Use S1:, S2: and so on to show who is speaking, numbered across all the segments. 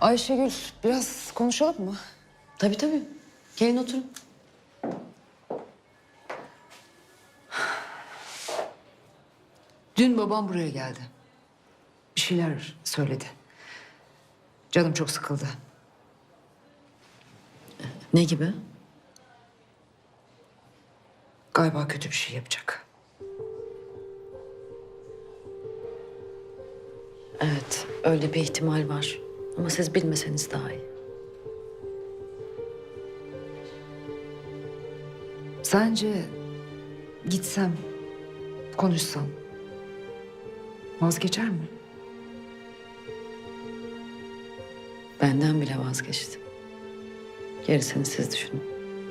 S1: Ayşegül, biraz konuşalım mı?
S2: Tabii tabii. Gelin oturun.
S1: Dün babam buraya geldi. Bir şeyler söyledi. Canım çok sıkıldı.
S2: Ne gibi?
S1: Galiba kötü bir şey yapacak.
S2: Evet, öyle bir ihtimal var. Ama siz bilmeseniz daha iyi.
S1: Sence gitsem, konuşsam vazgeçer mi?
S2: Benden bile vazgeçti. Gerisini siz düşünün.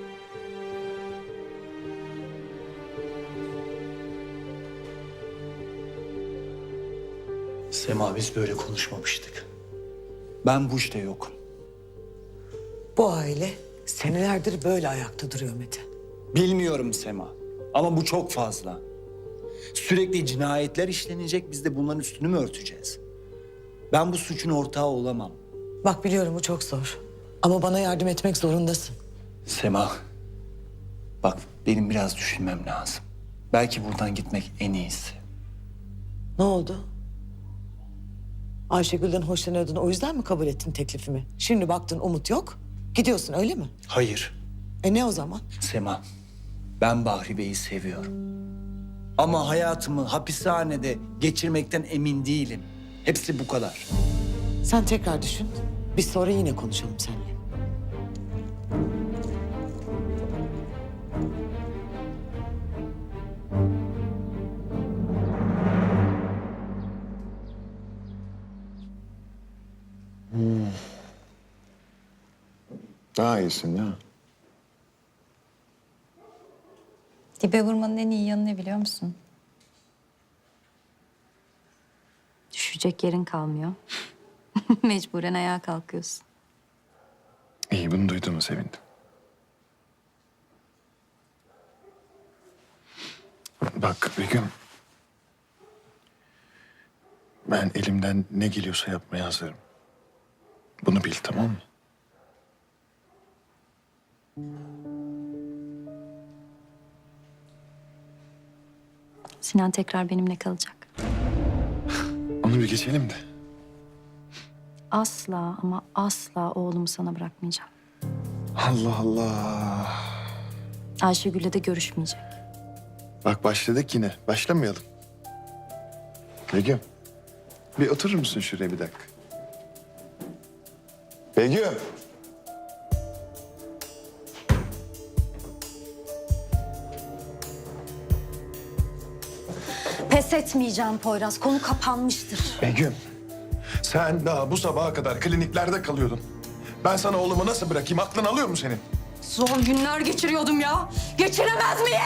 S3: Sema, biz böyle konuşmamıştık. Ben bu işte yokum.
S4: Bu aile senelerdir böyle ayakta duruyor Mete.
S3: Bilmiyorum Sema ama bu çok fazla. Sürekli cinayetler işlenecek, biz de bunların üstünü mü örteceğiz? Ben bu suçun ortağı olamam.
S4: Bak biliyorum bu çok zor. Ama bana yardım etmek zorundasın.
S3: Sema, bak benim biraz düşünmem lazım. Belki buradan gitmek en iyisi.
S4: Ne oldu? Ayşegül'den hoşlanıyordun, o yüzden mi kabul ettin teklifimi? Şimdi baktın umut yok, gidiyorsun öyle mi?
S3: Hayır
S4: Ne o zaman?
S3: Sema, ben Bahri Bey'i seviyorum. Ama hayatımı hapishanede geçirmekten emin değilim. Hepsi bu kadar.
S4: Sen tekrar düşün. Biz sonra yine konuşalım seninle.
S5: Daha iyisin ya.
S6: Dibe vurmanın en iyi yanı ne biliyor musun? Düşecek yerin kalmıyor. Mecburen ayağa kalkıyorsun.
S5: İyi, bunu duyduğuma sevindim. Bak Begüm. Ben elimden ne geliyorsa yapmaya hazırım. Bunu bil, tamam mı?
S6: Sinan tekrar benimle kalacak.
S5: Onu bir geçelim de.
S6: Asla ama asla oğlumu sana bırakmayacağım.
S5: Allah Allah.
S6: Ayşegül'le de görüşmeyecek.
S5: Bak başladık yine. Başlamayalım. Begüm. Bir oturur musun şuraya bir dakika? Begüm.
S6: Pes etmeyeceğim Poyraz. Konu kapanmıştır.
S5: Begüm. Sen daha bu sabaha kadar kliniklerde kalıyordun. Ben sana oğlumu nasıl bırakayım? Aklın alıyor mu senin?
S6: Zor günler geçiriyordum ya. Geçiremez miyim?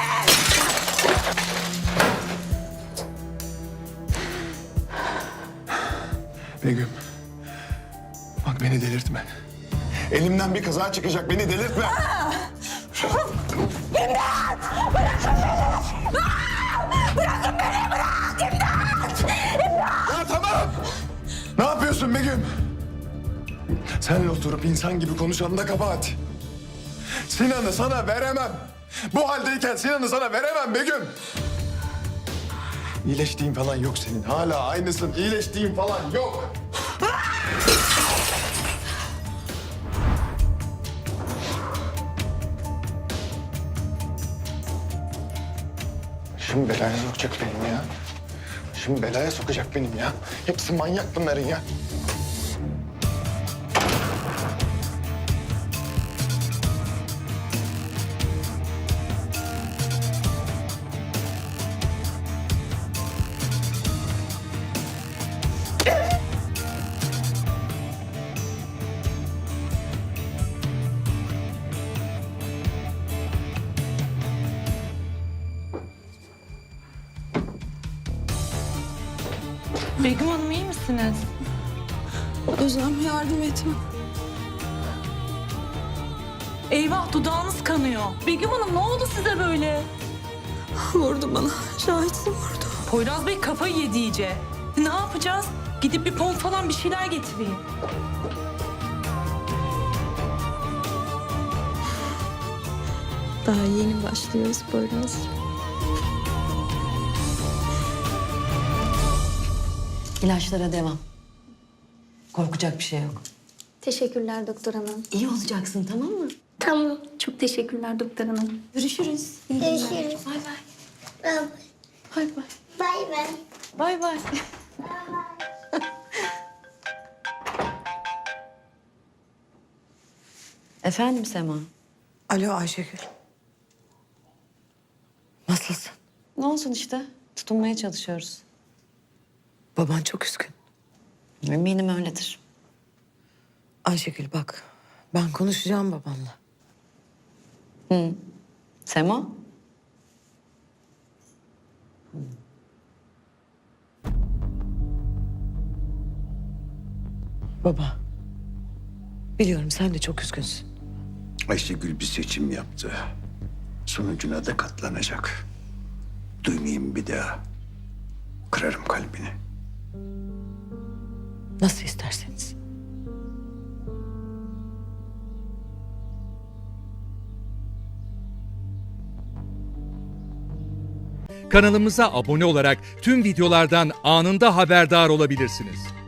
S5: Begüm. Bak beni delirtme. Elimden bir kaza çıkacak. Beni delirtme.
S6: İmdat! Bırakın beni! Bırakın beni! Bırak! İmdat!
S5: Ya tamam. Ne yapıyorsun Begüm? Seninle oturup insan gibi konuşanın da kabahat. Sinan'ı sana veremem. Bu haldeyken Sinan'ı sana veremem Begüm. İyileştiğin falan yok senin. Hala aynısın. İyileştiğin falan yok. Şimdi belaya sokacak benim ya. Şimdi belaya sokacak benim ya. Hepsi manyak bunların ya.
S7: Begüm Hanım iyi misiniz?
S4: Özlem yardım etme.
S7: Eyvah dudağınız kanıyor. Begüm Hanım ne oldu size böyle?
S4: Vurdu bana. Şahitsin vurdu.
S7: Poyraz Bey kafayı yedi iyice. Ne yapacağız? Gidip bir pomp falan bir şeyler getireyim.
S8: Daha yeni başlıyoruz Poyraz.
S2: İlaçlara devam. Korkacak bir şey yok.
S8: Teşekkürler doktor hanım.
S2: İyi olacaksın, tamam mı?
S8: Tamam. Çok teşekkürler doktor hanım.
S2: Görüşürüz.
S8: Görüşürüz.
S2: Bay bay.
S8: Bay bay.
S2: Bay bay.
S8: Bay bay.
S2: Bay bay. Efendim Sema?
S4: Alo Ayşegül. Nasılsın?
S2: Ne olsun işte. Tutunmaya çalışıyoruz.
S4: Baban çok üzgün.
S2: Eminim öyledir.
S4: Ayşegül bak, ben konuşacağım babanla.
S2: Sema?
S4: Baba, biliyorum sen de çok üzgünsün.
S9: Ayşegül bir seçim yaptı. Sonucuna da katlanacak. Duymayayım bir daha. Kırarım kalbini.
S4: Nasıl isterseniz.
S10: Kanalımıza abone olarak tüm videolardan anında haberdar olabilirsiniz.